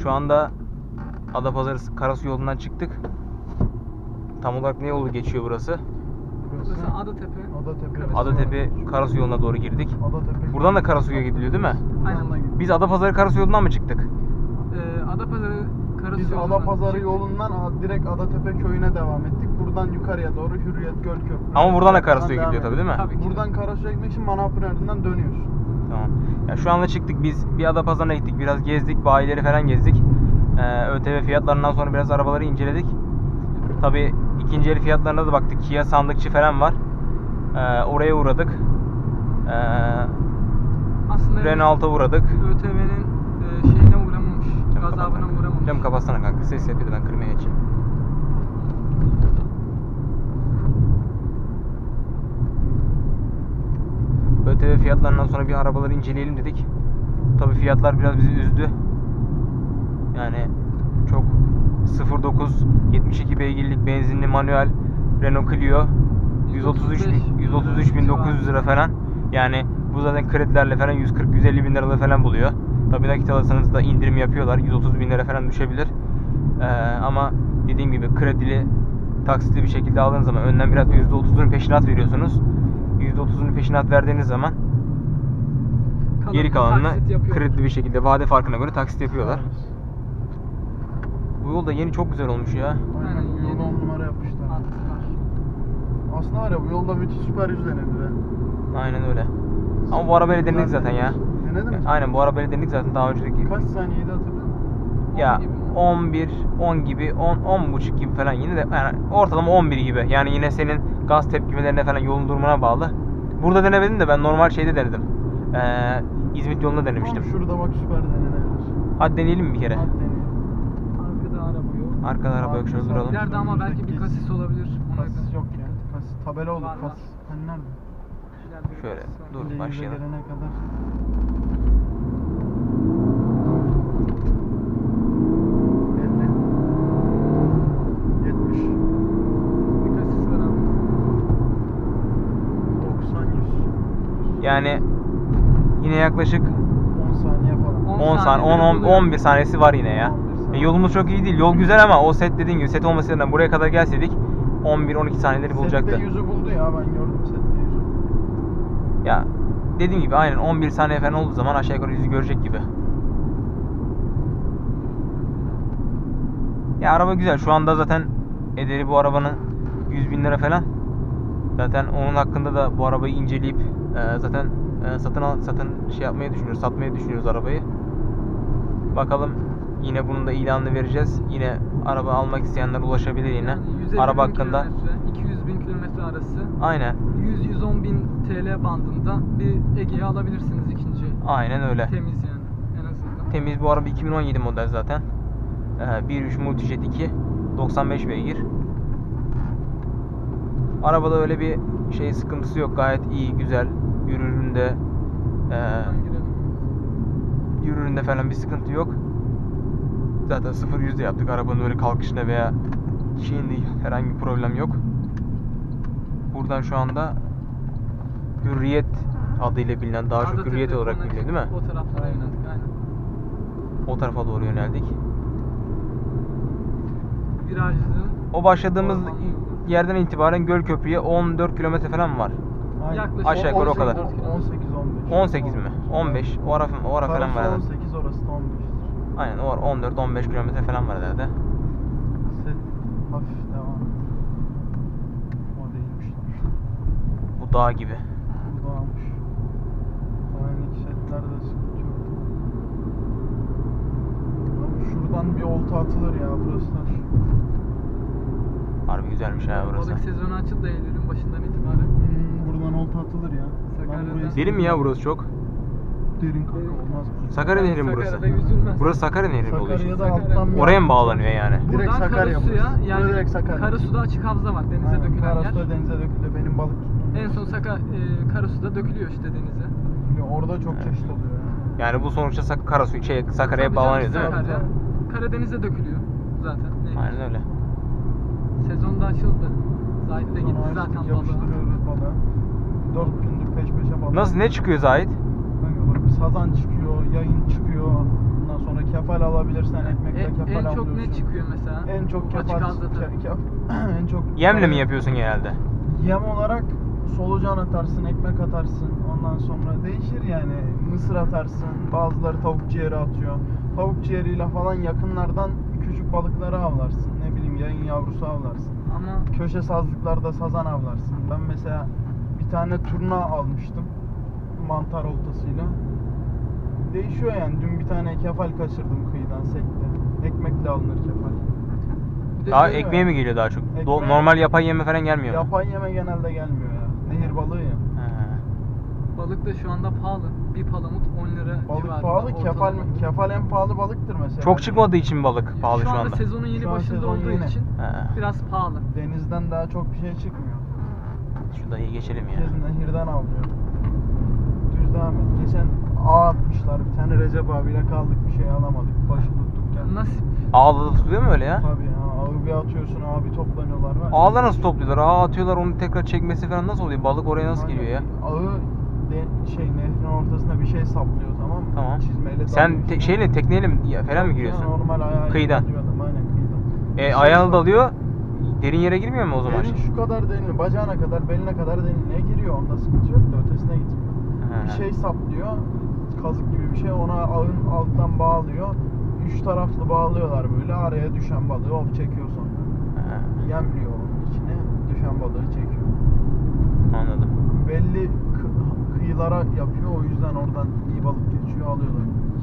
Şu anda Adapazarı Karasu yolundan çıktık. Tam olarak ne yolu geçiyor burası? Burası Adatepe. Adatepe Karasu yoluna doğru girdik. Adatepe. Buradan da Karasu'ya gidiliyor değil mi? Aynen. Biz Adapazarı Karasu yolundan mı çıktık? Adapazarı Karasu Biz yolundan Adapazarı çıktık. yolundan direkt Adatepe köyüne devam ettik. Buradan yukarıya doğru Hürriyet Göl Köprü. Ama buradan da Karasu'ya gidiyor tabii değil mi? Tabii ki. Buradan Karasu'ya gitmek için Manavpınar'dan dönüyorsun. Tamam. Ya şu anda çıktık biz. Bir Adapazarı'na gittik. Biraz gezdik. Bayileri falan gezdik. ÖTV fiyatlarından sonra biraz arabaları inceledik. Tabii ikinci el fiyatlarına da baktık. Kia sandıkçı falan var. Oraya uğradık. Aslında Renault'a uğradık. ÖTV'nin şeyine uğramamış. Gazabına uğramamış. Cam kapatsana kanka. Ses yapıyordu, ben kırmaya geçeyim. ÖTV fiyatlarından sonra bir arabaları inceleyelim dedik. Tabii fiyatlar biraz bizi üzdü. Yani çok 09 72 beygirlik benzinli manuel Renault Clio 133.900 lira falan. Yani bu zaten kredilerle falan 140-150 bin lirada falan buluyor. Tabii nakit alırsanız da indirim yapıyorlar. 130 bin lira falan düşebilir. Ama dediğim gibi kredili, taksitli bir şekilde aldığınız zaman önden biraz %30'unu peşinat veriyorsunuz. %30'unu peşinat verdiğiniz zaman geri kalanını kredili bir şekilde vade farkına göre taksit yapıyorlar. Bu yol da yeni çok güzel olmuş ya. Aynen, bu yolu 10 numara yapmışlar. Aslında var ya, bu yolda müthiş süper yüz denedi be. Aynen öyle. Ama bu arabayla denedik zaten ya. Denedin mi? Aynen, bu arabayla denedik zaten daha önceki. Kaç saniyeydi hatırladın? Ya 11, 10 gibi, 10 buçuk gibi falan, yine de yani ortalama 11 gibi. Yani yine senin gaz tepkimelerine falan, yolun durumuna bağlı. Burada denemedim de ben normal şeyde denedim. İzmit yolunda denemiştim. Tam şurada bak, süper denenebilir. Hadi deneyelim mi bir kere? Hadi deneyelim. Arkada araba yok. Arkada araba yok, şöyle duralım. İleride ama belki bir kasis olabilir. Kasis yok ya. Kasis tabela olur. Var, var. Kasis. Hani nerede? İleride bir Şöyle, kasis var. dur. Yüze başlayalım. gelene kadar. 70. Bir kasis var abi. 90, 100. Yani yine yaklaşık 10 saniye falan. 10 saniye, 11 saniyesi var yine ya. 11 saniye. Yolumuz çok iyi değil. Yol güzel ama o set, dediğin gibi set olmasından buraya kadar gelseydik 11-12 saniyeleri bulacaktı. Sette 100'ü buldu ya, ben gördüm sette 100'ü. Ya dediğim gibi aynen 11 saniye falan olduğu zaman aşağı yukarı 100'ü görecek gibi. Ya araba güzel. Şu anda zaten ederi bu arabanın 100 bin lira falan. Zaten onun hakkında da bu arabayı inceleyip zaten satın şey yapmayı düşünüyoruz, satmayı düşünüyoruz arabayı. Bakalım, yine bunun da ilanını vereceğiz. Yine araba almak isteyenler ulaşabilir yine. Yani 150 Araba bin hakkında. kilometre, 200 bin kilometre arası. Aynen. 100-110 bin TL bandında bir Ege'ye alabilirsiniz ikinci. Aynen öyle. Temiz yani en azından. Temiz, bu araba 2017 model zaten. 1.3 Multijet 2, 95 beygir. Arabada öyle bir şey sıkıntısı yok. Gayet iyi, güzel. Yürüründe Buradan girelim. yürüründe falan bir sıkıntı yok. Zaten 0-100'de yaptık. Arabanın öyle kalkışında veya şeyinde herhangi bir problem yok. Buradan şu anda Hürriyet adıyla bilinen, daha çok Adatepe, Hürriyet olarak Konak, biliniyor değil mi? O taraflara yöneldik aynen. O tarafa doğru yöneldik. Virajlı. O başladığımız Ormanlı yolu. yerden itibaren Gölköprü'ye 14 kilometre falan var. Aynen. Yaklaşık Aşağı yukarı o 18, kadar. 18-15. 18 mi? 15. O ara falan var herhalde. 18, orası da 15'tir. Aynen, o var. 14-15 kilometre falan var herhalde. Set hafif devam. O değilmişler. Bu dağ gibi. Bu dağılmış. Dağındaki setlerde sıkıntı yok. Abi şuradan bir olta atılır ya, burası da. Harbi güzelmiş ha burası. Balık sezonu açıldı Eylül'ün başından itibaren. Buradan olta atılır ya. Sakarya'da. Derin mi ya burası çok? Derin kanka, olmaz mı? Sakarya Nehri mi burası? Sakarya'da yüzülmez. Burası Sakarya Nehri mi oluyor? Sakarya'da Sakarya. alttan bir Oraya mı akıntı bağlanıyor var. yani? Direkt Buradan Sakarya Karasu'ya, burası. yani Direkt Sakarya. Karasu'da açık havza var, denize Aynen, dökülen Karasu'da yer. denize dökülüyor. Benim balık tuttuğum. En son Karasu'da dökülüyor işte denize. Orada çok çeşit oluyor ya. Yani bu sonuçta Sakarya'ya Tabii bağlanıyor canım, değil mi? Sakarya. Karadeniz'e dökülüyor zaten. nehir. Aynen öyle. Sezonda açıldı. Zahid de gitti Sonra zaten açtık, balığa. yapıştırıyoruz balığı. 4 gündür peş peşe balık. Nasıl, ne çıkıyor Zahid? Kanka bak, sazan çıkıyor, yayın çıkıyor. Ondan Ondan sonra kefal alabilirsen ekmekle kefal En alıyorsun. çok ne çıkıyor mesela? En çok Açık kefal, ağızda tabii. en çok Yemle mi yapıyorsun genelde? Yem olarak solucan atarsın, ekmek atarsın. Ondan sonra değişir yani. Mısır atarsın. Bazıları tavuk ciğeri atıyor. Tavuk ciğeriyle falan yakınlardan küçük balıkları avlarsın. Ne bileyim yayın yavrusu avlarsın. Ama Köşe sazlıklarda sazan avlarsın. Ben mesela bir tane turna almıştım. Mantar oltasıyla. Değişiyor yani. Dün bir tane kefal kaçırdım kıyıdan sekte. Ekmekle alınır kefal. bir de Daha şöyle- ekmeğe mi geliyor daha çok? Ekmeğe- Normal yapay yeme falan gelmiyor mu? Yapay yeme genelde gelmiyor ya. Nehir balığı ya. He. balık da şu anda pahalı. Bir palamut 10 lira Balık civarında pahalı. ortalama. Kefal en pahalı balıktır mesela. Çok çıkmadığı için balık pahalı şu anda. Sezonun yeni Şu an başında sezon olduğu yeni. için He. biraz pahalı. Denizden daha çok bir şey çıkmıyor. Şu dayıyı geçelim ya. Herkes nehirden avlıyor. Düz devam et. Geçen ağ atmışlar. Bir tane Recep abiyle kaldık. Bir şey alamadık. Başı tuttuk geldik. Nasip. Ağda da tutuluyor mu öyle ya? Tabii ya. Ağı bir atıyorsun. Abi toplanıyorlar. Var. Ağda nasıl topluyorlar? Ağ atıyorlar, onu tekrar çekmesi falan nasıl oluyor? Balık oraya nasıl geliyor ya? Ağı nehrin ortasına bir şey saplıyor, tamam mı? Tamam. Çizmeyle Sen dalıyor içine. şeyle tekneyle mi falan mı Yok giriyorsun? ya, normal ayağıyla Kıyıdan. dalıyor adam, aynen kıyıdan. Ayağını dalıyor. Derin yere girmiyor mu o zaman? Derin şu kadar derin, bacağına kadar, beline kadar derinliğe giriyor. Onda sıkıntı yok da ötesine gitmiyor. He. Bir şey saplıyor, kazık gibi bir şey. Ona ağın alttan bağlıyor. Üç taraflı bağlıyorlar böyle. Araya düşen balığı hop çekiyor sonra. He, Yemliyor onun içine. Düşen balığı çekiyor. anladım. Belli kıyılara yapıyor. O yüzden oradan iyi balık geçiyor, alıyorlar.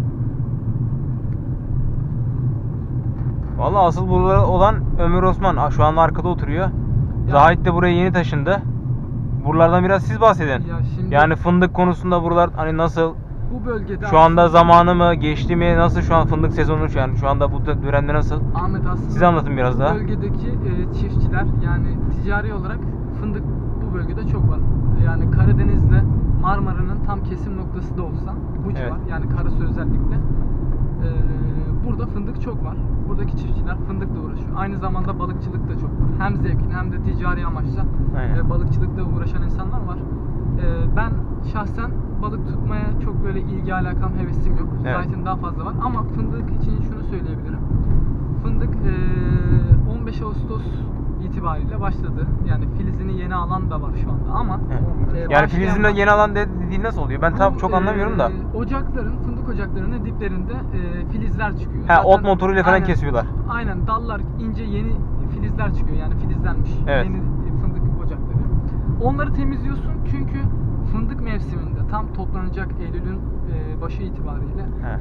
Vallahi asıl burada olan Ömer Osman. Şu anda arkada oturuyor. Zahit de buraya yeni taşındı. Buralardan biraz siz bahsedin. Ya şimdi- Yani fındık konusunda buralar hani nasıl? Bu bölgede Şu anda aslında- zamanı mı, geçti mi? Nasıl şu an fındık sezonu yani şu anda bu dönemde nasıl? Ahmet aslında Siz anlatın biraz bu daha. bölgedeki çiftçiler yani ticari olarak fındık bu bölgede çok var. Yani Karadeniz'le Marmara'nın tam kesim noktası da olsa bu Evet. civar yani Karasu özellikle burada fındık çok var. Buradaki çiftçiler fındıkla uğraşıyor. Aynı zamanda balıkçılık da çok var. Hem zevkine hem de ticari amaçla Aynen. balıkçılıkla uğraşan insanlar var. Ben şahsen balık tutmaya çok böyle ilgi alakam, hevesim yok. Evet. Zaten daha fazla var. Ama fındık için şunu söyleyebilirim. Fındık 15 Ağustos itibariyle başladı. Yani filizini yeni alan da var şu anda ama Evet. Yani başlayan filizinde var. yeni alan dediğin nasıl oluyor? Ben tam Bu, çok anlamıyorum da. Ocakların, fındık ocaklarının diplerinde filizler çıkıyor. Ha, Zaten- ot motoruyla falan aynen, kesiyorlar. Aynen, dallar ince yeni filizler çıkıyor. Yani filizlenmiş Evet. yeni fındık ocakları. Onları temizliyorsun çünkü fındık mevsiminde tam toplanacak Eylül'ün başı itibariyle He.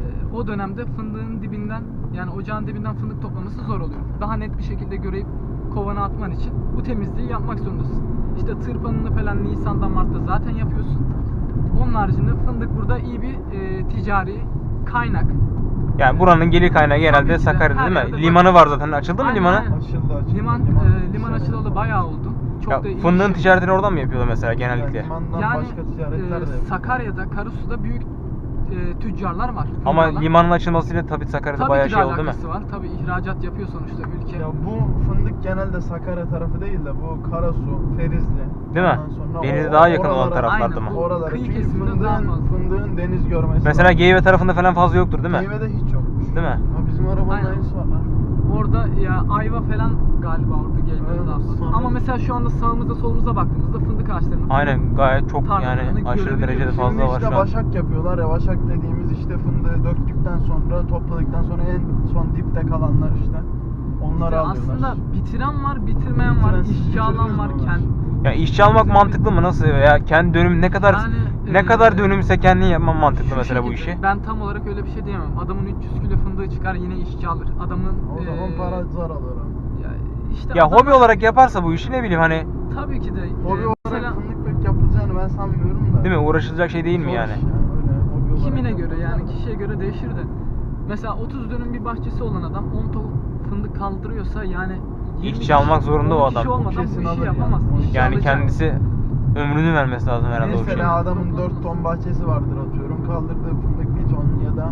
o dönemde fındığın dibinden yani ocağın dibinden fındık toplaması zor oluyor. Daha net bir şekilde görüp kovana atman için bu temizliği yapmak zorundasın. İşte tırpanını falan Nisan'dan Mart'ta zaten yapıyorsun. Onun haricinde fındık burada iyi bir ticari kaynak. Yani buranın gelir kaynağı Tabii genelde ki de, Sakarya'da her değil yerde mi? var. Limanı var zaten. Açıldı mı Aynen, limanı? aynen. Açıldı. Liman açılalı bayağı oldu. Çok Ya, da iyi fındığın iş ticaretini oradan mı yapıyorlar mesela Yani genellikle? limandan Yani başka ticaretler de yapıyor. Sakarya'da, Karasu'da büyük tüccarlar var. Ama fındıklarla. limanın açılmasıyla tabii Sakarya'da Tabii bayağı ki de şey oldu değil mi? alakası var. Tabii ihracat yapıyor sonuçta ülke. Ya bu fındık genelde Sakarya tarafı değil de bu Karasu, Ferizli. Değil mi? Ondan sonra Denize daha yakın olan oralara- taraflarda Aynen, mı? bu Oralara. kıyı Çünkü kesiminde daha fazla. fındığın deniz görmesi Mesela var. Geyve tarafında falan fazla yoktur değil mi? Geyve'de hiç yokmuş. Değil mi? Ha, bizim arabanın Aynen. aynısı var lan. Orada ya ayva falan galiba orada gelmedi Evet, daha fazla. sonra- Ama mesela şu anda sağımıza solumuza baktığımızda fındık ağaçlarının Aynen, gayet çok tarlalarını yani aşırı görebiliyoruz. derecede Şimdi fazla var işte şu an. başak yapıyorlar ya, başak dediğimiz işte fındığı döktükten sonra, topladıktan sonra en son dipte kalanlar işte. Onları İşte alıyorlar. aslında bitiren var, bitirmeyen var, Bitiren, siz işçi alan bitirdiniz var. mi onlar? Ya işçi almak mantıklı mı? Nasıl ya? Kendi dönüm ne kadar Yani, ne kadar dönümse kendin yapman mantıklı Şu mesela bu şekilde, işi. Ben tam olarak öyle bir şey diyemem. Adamın 300 kilo fındığı çıkar yine işçi alır. Adamın O zaman para zar alır abi. ya işte Ya adam- hobi olarak yaparsa bu işi ne bileyim hani tabii ki de Hobi mesela olarak fındık pek yapılacağını ben sanmıyorum da. değil mi? Uğraşılacak şey değil mi Zor yani? iş ya, öyle hobi olarak kimine göre yapılacak. yani kişiye göre değişir de. Mesela 30 dönüm bir bahçesi olan adam 10 ton fındık kaldırıyorsa yani 20 İşçi kişi, almak zorunda o 10 kişi adam. olmadan bu Kesin işi alır yani. yapamaz. İşçi Yani alacak. kendisi ömrünü vermesi lazım herhalde o işe. Mesela adamın Çok 4 olmaz. ton bahçesi vardır atıyorum. Kaldırdığı fındık 1 ton ya da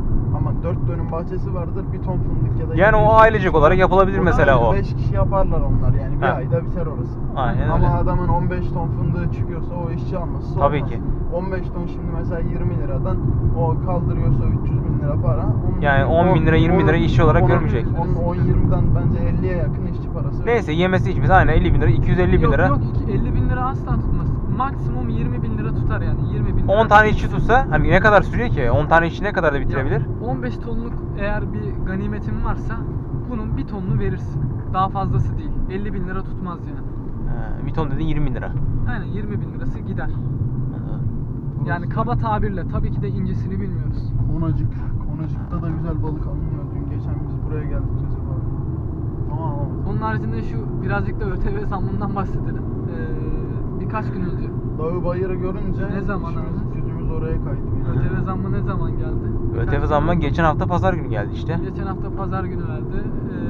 ama 4 dönüm bahçesi vardır, bir ton fındık ya da Yani o 700 ailecek olarak yapılabilir mesela o. 5 kişi yaparlar onlar yani, bir Ha. ayda biter orası. Aynen Ama öyle. adamın 15 ton fındığı çıkıyorsa o işçi alması Tabii olmaz. ki. 15 ton şimdi mesela 20 liradan o kaldırıyorsa 300 bin lira para. Yani 10 bin lira, 20 bin lira işçi olarak görmeyecek. Onun 10-20'den bence 50'ye yakın işçi parası. Neyse yemesi içmesi aynen 50 bin lira, 250 bin Yok lira. yok 50 bin lira asla tutmaz. Maksimum 20 bin lira tutar yani 20 bin lira. 10 tane işçi tutsa hani ne kadar sürüyor ki? 10 tane işçi ne kadar da Ya, bitirebilir? 15 tonluk eğer bir ganimetin varsa bunun bir tonunu verirsin. Daha fazlası değil. 50 bin lira tutmaz yani. Bir ton dedin 20 bin lira. Aynen 20 bin lirası gider. Yani kaba tabirle tabii ki de incesini bilmiyoruz. Konacık'ta da güzel balık alınıyor. Dün geçen biz buraya geldik Recep abi. Ama alamadık. Onun haricinde şu birazcık da ÖTV zammından bahsedelim. Birkaç gün önce Dağı bayırı görünce Ne zaman işimiz, abi? gücümüz oraya kaydı. ÖTV zammı ne zaman geldi? Birkaç ÖTV gün zammı oldu. geçen hafta pazar günü geldi işte. Geçen hafta pazar günü verdi.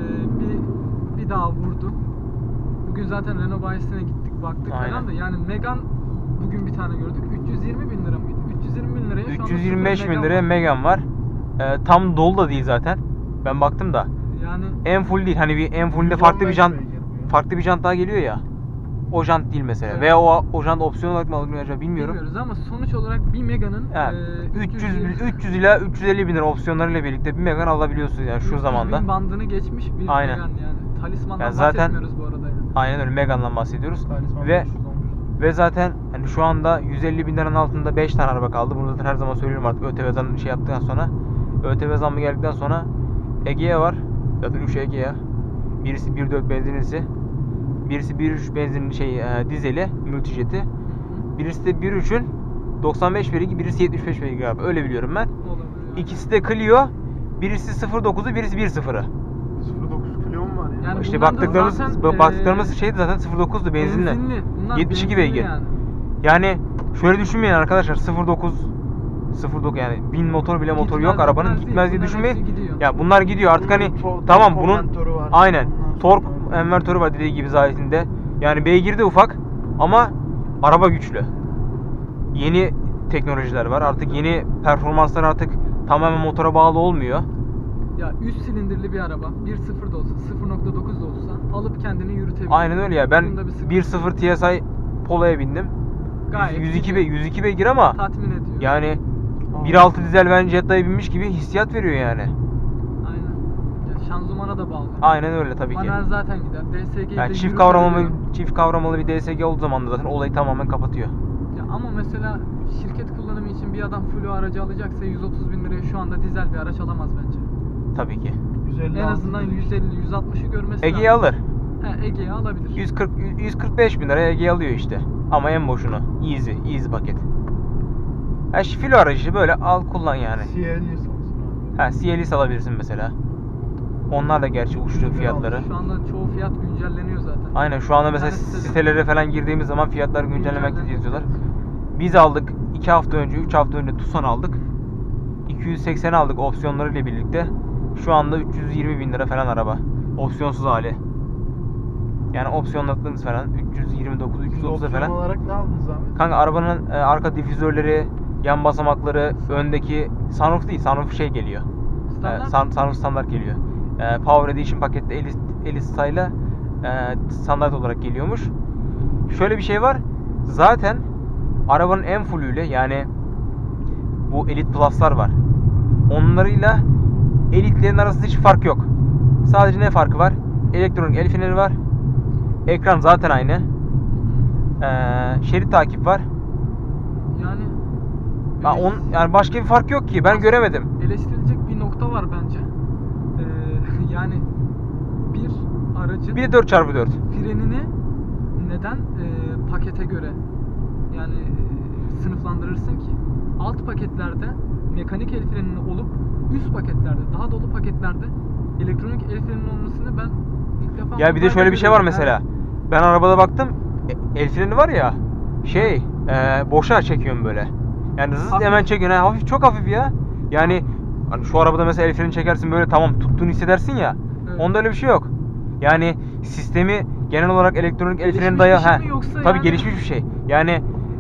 Bir daha vurdu. Bugün zaten Renault bayisine gittik baktık Aynen. falan da yani Megane bugün bir tane gördük. 320 bin lira mıydı? 320 bin liraya şu anda 325 sıfır bin liraya Megane var. Tam dolu da değil zaten. Ben baktım da. Yani En full değil. Hani bir en fullde farklı bir jant daha geliyor ya. O jant değil mesela. Evet. Veya o jant opsiyon olarak mı alınıyor acaba bilmiyorum. bilmiyoruz ama sonuç olarak bir Megane'ın Yani 300 ila 350 bin lira opsiyonlarıyla birlikte bir Megane alabiliyorsunuz yani şu zamanda. bin bandını geçmiş bir Aynen. Megane yani. Talismandan Yani zaten- bahsetmiyoruz bu arada yani. Aynen öyle Megane'dan bahsediyoruz. Talisman Ve 500 olmuştu. Ve zaten hani şu anda 150 bin liranın altında 5 tane araba kaldı. Bunu zaten her zaman söylüyorum artık ÖTV zammı şey yaptıktan sonra. ÖTV zammı geldikten sonra Egea var. Zaten 3 Egea. Birisi 1.4 benzinlisi. Birisi 1.3 benzinli dizeli multijeti. Birisi de 1.3'ün 95 beygir, birisi 75 beygir abi. Öyle biliyorum ben. Olabilir yani. İkisi de Clio. Birisi 0.9'u, birisi 1.0'ı. 0.9 Clio mu var ya? Yani İşte bunlar da baktıklarımız zaten, baktıklarımız şeydi zaten 0.9'du benzinli. Bunlar 72 benzinli beygir. yani. Yani şöyle düşünmeyin arkadaşlar 0.9 yani 1000 motor bile motor Gitmez, yok arabanın gitmez gitmez diye değil. düşünmeyin. Bunların hepsi gidiyor. Ya bunlar gidiyor artık hani Bunun tamam tork bunun konvertörü var. aynen Ondan tork sonra- envertörü var dediği gibi zahitinde. Yani beygiri de ufak ama araba güçlü. Yeni teknolojiler var. Artık yeni performanslar artık tamamen motora bağlı olmuyor. Ya 3 silindirli bir araba 1.0 da olsa 0.9 da olsa alıp kendini yürütebilir. Aynen öyle ya. Ben Bunda bir sıkıntı 1.0 TSI Polo'ya bindim. Gayet 102 beygir ama tatmin ediyor. yani 1.6 dizel ben Jetta'ya binmiş gibi hissiyat veriyor yani. Aynen. Ya şanzımana da bağlı. Aynen öyle tabii ki. Manuel zaten gider. DSG'yi Yani de çift kavramlı bir DSG olduğu zaman da zaten olayı tamamen kapatıyor. Ya ama mesela şirket kullanımı için bir adam Flu aracı alacaksa 130 bin liraya şu anda dizel bir araç alamaz bence. Tabii ki. 150 En azından 150-160'ı görmesi Ege'yi lazım. alır. He, Ege'yi alabilir. 145 bin liraya Ege'yi alıyor işte. Ama en boşunu. Easy paket. Ha şu filo aracı böyle al kullan yani. CL'yi satsın abi. Ha CLS alabilirsin mesela. Onlar da gerçi uçtu fiyatları. Şu anda çoğu fiyat güncelleniyor zaten. Aynen şu anda mesela Bir tanesi de- sitelere falan girdiğimiz zaman fiyatlar güncellemekte yazıyorlar. Biz aldık 2 hafta önce 3 hafta önce Tucson aldık. 280 aldık opsiyonlarıyla birlikte. Şu anda 320 bin lira falan araba. Opsiyonsuz hali. Yani opsiyonladığınız falan 329 330'a Opsiyon falan. olarak ne aldınız abi? Kanka arabanın arka difüzörleri, yan basamakları, öndeki sunroof değil, sunroof şey geliyor. Standart. Sunroof standart geliyor. Power Edition pakette Elise Style'la standart olarak geliyormuş. Şöyle bir şey var. Zaten arabanın en fullüyle yani bu Elite Plus'lar var. Onlarıyla Elite'lerin arasında hiç fark yok. Sadece ne farkı var? Elektronik el freneri var. Ekran zaten aynı. Şerit takip var. Yani Yani başka bir fark yok ki. Ben göremedim. eleştirilecek bir nokta var bence. Yani bir aracın Bir de 4x4. frenini neden pakete göre yani sınıflandırırsın ki? Alt paketlerde mekanik el frenini olup üst paketlerde, daha dolu paketlerde elektronik el freninin olmasını ben ilk defa Ya bir de Hyundai'de şöyle bir şey var görüyorum. mesela. Ben arabada baktım. El freni var ya. Boşa çekiyorum böyle. Yani zıt Hafif. hemen çekiyorsun. Ha, hafif çok hafif ya. Yani hani şu arabada mesela el freni çekersin böyle tamam tuttuğunu hissedersin ya. Evet. Onda öyle bir şey yok. Yani sistemi genel olarak elektronik el Gelişmiş freni bir dayalı. şey mi yoksa Tabii yani- gelişmiş bir şey. Yani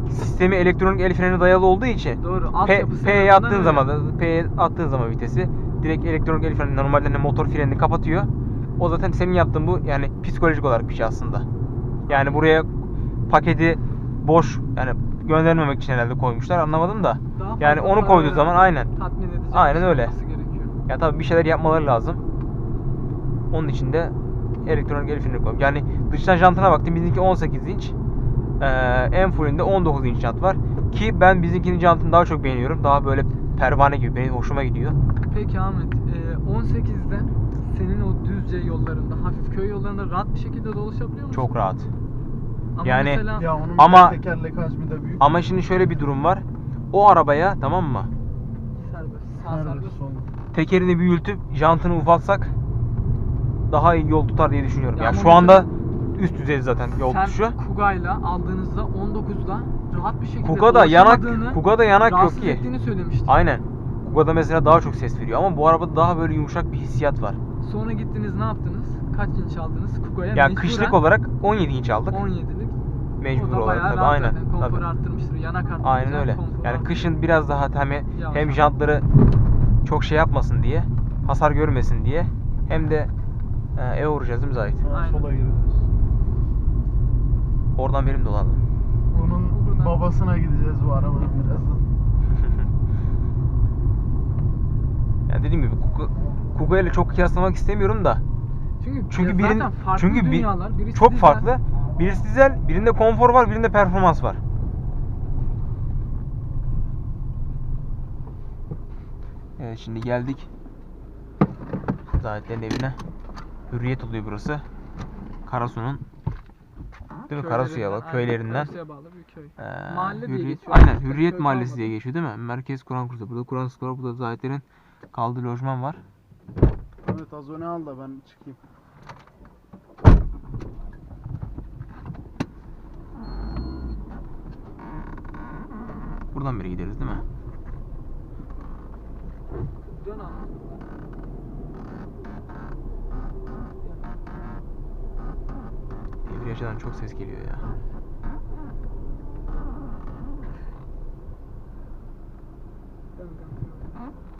sistemi elektronik el freni dayalı olduğu için Doğru. P, Altyapısı P'ye en attığın azından zaman öyle. P'ye attığın zaman vitesi direkt elektronik el freni normalde hani motor frenini kapatıyor. O zaten senin yaptığın bu yani psikolojik olarak bir şey aslında. Yani buraya paketi boş yani göndermemek için herhalde koymuşlar anlamadım da. Daha Yani fazla onu para koyduğu veren, zaman aynen. tatmin edecek Aynen bir şey öyle. olması gerekiyor. Ya tabii bir şeyler yapmaları lazım. Onun için de elektronik el freni koyuyorum. Yani dıştan jantına baktım bizimki 18 inç. En fullünde 19 inç jant var. Ki ben bizimkinin jantını daha çok beğeniyorum. Daha böyle pervane gibi benim hoşuma gidiyor. Peki Ahmet, 18'de senin o düzce yollarında, hafif köy yollarında rahat bir şekilde dolaşabiliyor musun? Çok rahat. Ama Yani- mesela Ya onun Ama- tekerlek hacmi de büyük. Ama şimdi şöyle bir durum var. O arabaya tamam mı? serbest, sağ Nerede serbest. sol? Tekerini büyütüp jantını ufaltsak daha iyi yol tutar diye düşünüyorum. Ya Ya ama şu anda mesela üst düzey zaten yol Sen tutuşu. Kuga'yla aldığınızda 19'da rahat bir şekilde Kuga'da yanak dolaşamadığını, Kuga'da yanak yok rahatsız ki. ettiğini söylemiştin. Aynen. Kuga'da mesela daha çok ses veriyor ama bu arabada daha böyle yumuşak bir hissiyat var. Sonra gittiniz ne yaptınız? Kaç inç aldınız? Kuga'ya Ya mecburen kışlık olarak 17 inç aldık. 17'lik. Mecbur O da olarak bayağı tabii rahat aynen. zaten. Konforu Tabii. arttırmıştır. Yanak arttırmıştır. Aynen öyle. konforu Yani arttırmıştır. kışın biraz daha hem Yavaş. jantları çok şey yapmasın diye, hasar görmesin diye hem de eve vuracağız değil mi Zahit? Aynen. Sola gireceğiz. Oradan benim dolandım. Bunun Buradan- babasına gideceğiz bu arabanın birazdan. Yani dediğim gibi Kuga ile çok kıyaslamak istemiyorum da. Çünkü ya birin zaten farklı çünkü dünyalar. Birisi çok dizel. farklı. Birisi dizel, birinde konfor var, birinde performans var. Evet şimdi geldik Zahitlerin evine. Hürriyet oluyor burası. Karasu'nun değil mi? Karasu'ya bak Aynen, köylerinden. Karasu'ya bağlı bir köy. Mahalle diye Hürriyet, geçiyor. aynen Köy Hürriyet Mahallesi kalmadı. diye geçiyor değil mi? Merkez Kur'an kursu. Burada Kur'an kursu var. Burada Zahitlerin kaldığı lojman var. Evet az öne al da ben çıkayım. Buradan beri gideriz değil mi? Dön abi. Debriyajadan çok ses geliyor ya. Dön kanka.